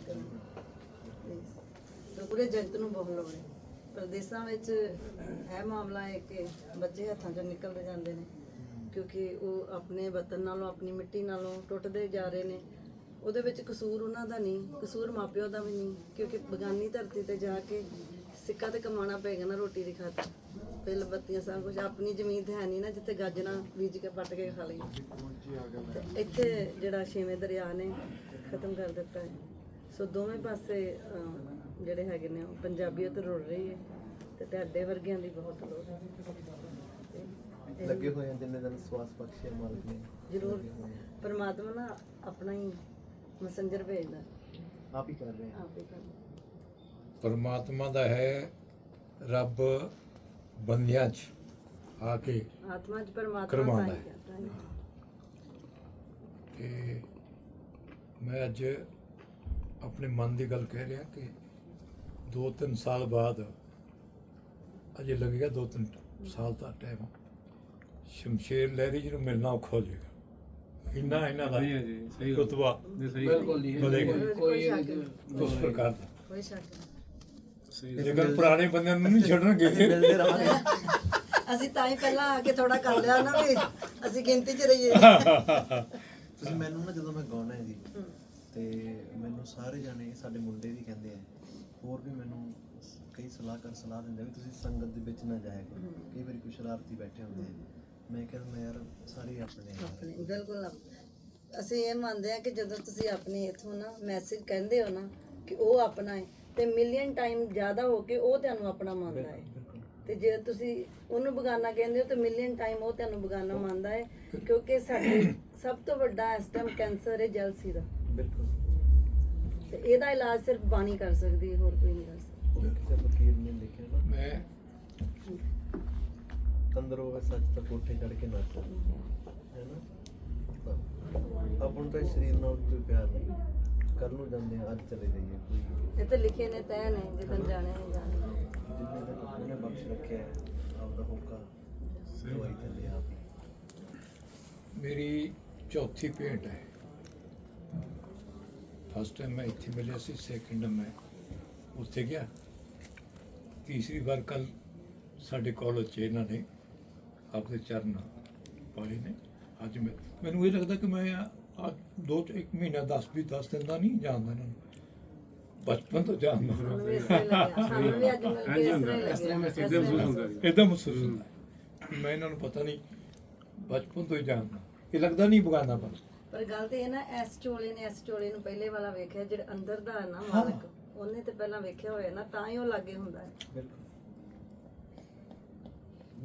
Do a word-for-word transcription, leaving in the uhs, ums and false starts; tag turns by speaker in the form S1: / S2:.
S1: ਕਰਨ ਤੇ ਪੂਰੇ ਜਗਤ ਨੂੰ ਬਹੁਤ ਲੋੜ ਹੈ। ਪ੍ਰਦੇਸ਼ਾਂ ਵਿੱਚ ਇਹ ਮਾਮਲਾ ਹੈ ਕਿ ਬੱਚੇ ਹੱਥਾਂ 'ਚੋਂ ਨਿਕਲਦੇ ਜਾਂਦੇ ਨੇ ਕਿਉਂਕਿ ਉਹ ਆਪਣੇ ਵਤਨ ਨਾਲੋਂ ਆਪਣੀ ਮਿੱਟੀ ਨਾਲੋਂ ਟੁੱਟਦੇ ਜਾ ਰਹੇ ਨੇ। ਉਹਦੇ ਵਿੱਚ ਕਸੂਰ ਉਹਨਾਂ ਦਾ ਨਹੀਂ, ਕਸੂਰ ਮਾਪਿਓ ਦਾ ਵੀ ਨਹੀਂ ਕਿਉਂਕਿ ਬਗਾਨੀ ਧਰਤੀ ਤੇ ਜਾ ਕੇ ਸਿੱਕਾ ਤੇ ਕਮਾਉਣਾ ਪਏਗਾ ਨਾ ਰੋਟੀ ਦੀ ਖਾਤਰ। ਬਿੱਲ ਬੱਤੀਆਂ ਸਭ ਕੁਝ ਆਪਣੀ ਜ਼ਮੀਨ ਤੇ ਹੈ ਨਹੀਂ ਨਾ ਜਿੱਥੇ ਗਾਜਰਾਂ ਬੀਜ ਕੇ ਪੱਟ ਕੇ ਖਾ ਲਈਏ। ਤੇ ਇੱਥੇ ਜਿਹੜਾ ਛੇਵੇਂ ਦਰਿਆ ਨੇ ਖਤਮ ਕਰ ਦਿੱਤਾ ਹੈ। ਸੋ ਦੋਵੇਂ ਪਾਸੇ ਅਹ, ਜਿਹੜੇ ਹੈਗੇ ਨੇ ਉਹ ਪੰਜਾਬੀਅਤ ਰੁੜ ਰਹੀ ਹੈ ਤੇ ਤੁਹਾਡੇ ਵਰਗਿਆਂ ਦੀ ਬਹੁਤ ਲੋੜ ਹੈ। ਤੇ
S2: ਲੱਗੇ ਹੋਏ ਆ ਜਿੰਨੇ ਦਿਨ ਸਵਾਸ ਬਖਸ਼ੇ ਮਾਲਕ ਨੇ
S1: ਜ਼ਰੂਰ ਪਰਮਾਤਮਾ ਨਾ ਆਪਣਾ ਹੀ ਮੈਸੇਂਜਰ ਭੇਜਦਾ,
S2: ਆਪ ਹੀ ਕਰ ਰਹੇ ਆ।
S1: ਆਪ ਹੀ ਕਰਦਾ।
S3: ਪਰਮਾਤਮਾ ਦਾ ਹੈ ਰੱਬ ਬੰਦਿਆਂ 'ਚ ਆ ਕੇ
S1: ਆਤਮਾ 'ਚ ਪਰਮਾਤਮਾ
S3: ਕਰਵਾਉਂਦਾ
S1: ਤਾਂ ਹੀ
S3: ਹੈ।
S1: ਕਰਦਾ ਹੈ।
S3: ਤੇ ਮੈਂ ਅੱਜ ਆਪਣੇ ਮਨ ਦੀ ਗੱਲ ਕਹਿ ਰਿਹਾ ਕਿ ਦੋ ਤਿੰਨ ਸਾਲ ਬਾਅਦ ਅਜੇ ਲੱਗੇਗਾ ਦੋ ਤਿੰਨ ਸਾਲ ਦਾ ਟਾਈਮ ਸ਼ਮਸ਼ੇਰ ਲਹਿਰੀ ਜੀ ਨੂੰ ਮਿਲਣਾ ਔਖਾ ਹੋ ਜਾਏਗਾ। ਇੰਨਾ ਇਹਨਾਂ ਦਾ ਰੁਤਬਾ ਵਧੇਗਾ
S1: ਕੋਈ ਸ਼ੱਕ ਨਹੀਂ,
S3: ਉਸ ਪ੍ਰਕਾਰ ਦਾ।
S1: ਕੋਈ ਸ਼ੱਕ ਨਹੀਂ।
S3: ਜੇਕਰ ਪੁਰਾਣੇ ਬੰਦਿਆਂ ਨੂੰ ਨਹੀਂ ਛੱਡਣਗੇ
S2: ਮਿਲਦੇ ਰਹਾਂਗੇ।
S1: ਅਸੀਂ ਤਾਂ ਹੀ ਪਹਿਲਾਂ ਆ ਕੇ ਥੋੜਾ ਕਰ ਲਿਆ ਨਾ ਵੀ ਅਸੀਂ ਗਿਣਤੀ 'ਚ ਰਹੀਏ।
S2: ਤੁਸੀਂ ਮੈਨੂੰ ਨਾ ਜਦੋਂ ਮੈਂ ਗਾਉਣਾ ਹੈ ਜੀ ਤੇ ਮੈਨੂੰ ਸਾਰੇ ਜਾਣੇ ਸਾਡੇ ਮੁੰਡੇ ਵੀ ਕਹਿੰਦੇ ਆ, ਹੋਰ ਵੀ ਮੈਨੂੰ ਕਈ ਸਲਾਹਕਾਰ ਸਲਾਹ ਦਿੰਦੇ ਵੀ ਤੁਸੀਂ ਸੰਗਤ ਦੇ ਵਿੱਚ ਨਾ ਜਾਇਆ ਕਰੋ। ਕਈ ਵਾਰੀ ਕੁਛ ਸ਼ਰਾਰਤੀ ਬੈਠੇ ਹੁੰਦੇ ਆ। ਮੈਂ ਕਹਿੰਦਾ ਮੈਂ ਯਾਰ ਸਾਰੇ ਆਪਣੇ ਆ।
S1: ਆਪਣੇ ਬਿਲਕੁਲ ਆਪ- ਅਸੀਂ ਇਹ ਮੰਨਦੇ ਆ ਕਿ ਜਦੋਂ ਤੁਸੀਂ ਆਪਣੀ ਇਥੋਂ ਨਾ ਮੈਸੇਜ ਕਹਿੰਦੇ ਹੋ ਨਾ ਕਿ ਉਹ ਆਪਣਾ ਹੈ ਤੇ ਮਿਲੀਅਨ ਟਾਈਮ ਜ਼ਿਆਦਾ ਹੋ ਕੇ ਉਹ ਤੁਹਾਨੂੰ ਆਪਣਾ ਮੰਨਦਾ ਹੈ। ਤੇ ਜੇ ਤੁਸੀਂ ਉਹਨੂੰ ਬਗਾਨਾ ਕਹਿੰਦੇ ਹੋ ਤੇ ਮਿਲੀਅਨ ਟਾਈਮ ਉਹ ਤੁਹਾਨੂੰ ਬਗਾਨਾ ਮੰਨਦਾ ਹੈ ਕਿਉਂਕਿ ਸਾਡੇ ਸਭ ਤੋਂ ਵੱਡਾ ਇਸ ਟਾਈਮ ਕੈਂਸਰ ਹੈ ਜਲਸੀ ਦਾ।
S2: ਬਿਲਕੁਲ।
S1: ਤੇ ਇਹਦਾ ਇਲਾਜ ਸਿਰਫ ਬਾਣੀ ਕਰ ਸਕਦੀ ਹੈ, ਹੋਰ ਕੋਈ ਨਹੀਂ ਕਰ ਸਕਦਾ।
S2: ਕਿਸੇ ਫਕੀਰ ਨੇ ਲਿਖਿਆ ਨਾ
S3: ਮੈਂ
S2: ਅੰਦਰੋਂ ਹੋਵੇ ਸੱਚ ਤਾਂ ਕੋਠੇ ਚੜ ਕੇ ਨੱਚ ਹੈ ਨਾ। ਤਾਂ ਆਪਾਂ ਨੂੰ ਤਾਂ ਇਸ ਸਰੀਰ ਨਾਲ ਕੋਈ ਪਿਆਰ ਨਹੀਂ। ਕੱਲ ਨੂੰ ਜਾਂਦੇ ਆ, ਅੱਜ ਚਲੇ ਜਾਈਏ। ਕੋਈ
S1: ਇਹ ਤਾਂ ਲਿਖੇ ਨੇ ਤੈਅ ਨੇ ਜਿੱਦਣ ਜਾਣੇ ਨੇ ਜਾਣੇ।
S2: ਜਿੰਨੇ ਦਿਨ ਉਹਨੇ ਬਖਸ਼ ਰੱਖਿਆ ਹੈ ਆਪਦਾ ਹੋਕਾ ਦਵਾਈ ਥੱਲੇ ਆਪ ਹੀ।
S3: ਮੇਰੀ ਚੌਥੀ ਪੇਂਟ ਹੈ। ਫਸਟ ਟਾਈਮ ਮੈਂ ਇੱਥੇ ਮਿਲਿਆ ਸੀ, ਸੈਕਿੰਡ ਮੈਂ ਉੱਥੇ ਗਿਆ, ਤੀਸਰੀ ਵਾਰ ਕੱਲ ਸਾਡੇ ਕਾਲਜ 'ਚ ਇਹਨਾਂ ਨੇ ਆਪਦੇ ਚਰਨ ਪਾਏ ਨੇ। ਅੱਜ ਮੈਂ ਮੈਨੂੰ ਇਹ ਲੱਗਦਾ ਕਿ ਮੈਂ ਆ ਦੋ ਇੱਕ ਮਹੀਨਾ ਦਸ ਵੀਹ ਦਸ ਦਿਨ ਦਾ ਨਹੀਂ ਜਾਣਦਾ ਇਹਨਾਂ ਨੂੰ, ਬਚਪਨ ਤੋਂ ਜਾਣਦਾ।
S1: ਸਾਨੂੰ ਵੀ ਇਸ ਤਰ੍ਹਾਂ ਹੀ ਲੱਗਿਆ, ਸਾਨੂੰ ਵੀ ਅੱਜ ਮਿਲ ਕੇ ਇਸ ਤਰ੍ਹਾਂ ਹੀ ਲੱਗਿਆ।
S3: ਇੱਦਾਂ ਮਹਿਸੂਸ ਹੁੰਦਾ ਕਿ ਮੈਂ ਇਹਨਾਂ ਨੂੰ ਪਤਾ ਨਹੀਂ ਬਚਪਨ ਤੋਂ ਹੀ ਜਾਣਦਾ। ਇਹ ਲੱਗਦਾ ਨਹੀਂ ਬਗਾਨਾ ਪਰ
S1: ਪਰ ਗੱਲ ਤੇ ਇਹ ਨਾ ਇਸ ਚੋਲੇ ਨੇ ਇਸ ਚੋਲੇ ਨੂੰ ਪਹਿਲੇ ਵਾਲਾ ਵੇਖਿਆ ਜਿਹੜਾ ਅੰਦਰ ਦਾ ਹੈ ਨਾ ਮਾਲਕ, ਉਹਨੇ ਤੇ ਪਹਿਲਾਂ ਵੇਖਿਆ ਹੋਇਆ ਨਾ ਤਾਂ ਹੀ ਉਹ ਲਾਗੇ ਹੁੰਦਾ ਹੈ।
S2: ਬਿਲਕੁਲ।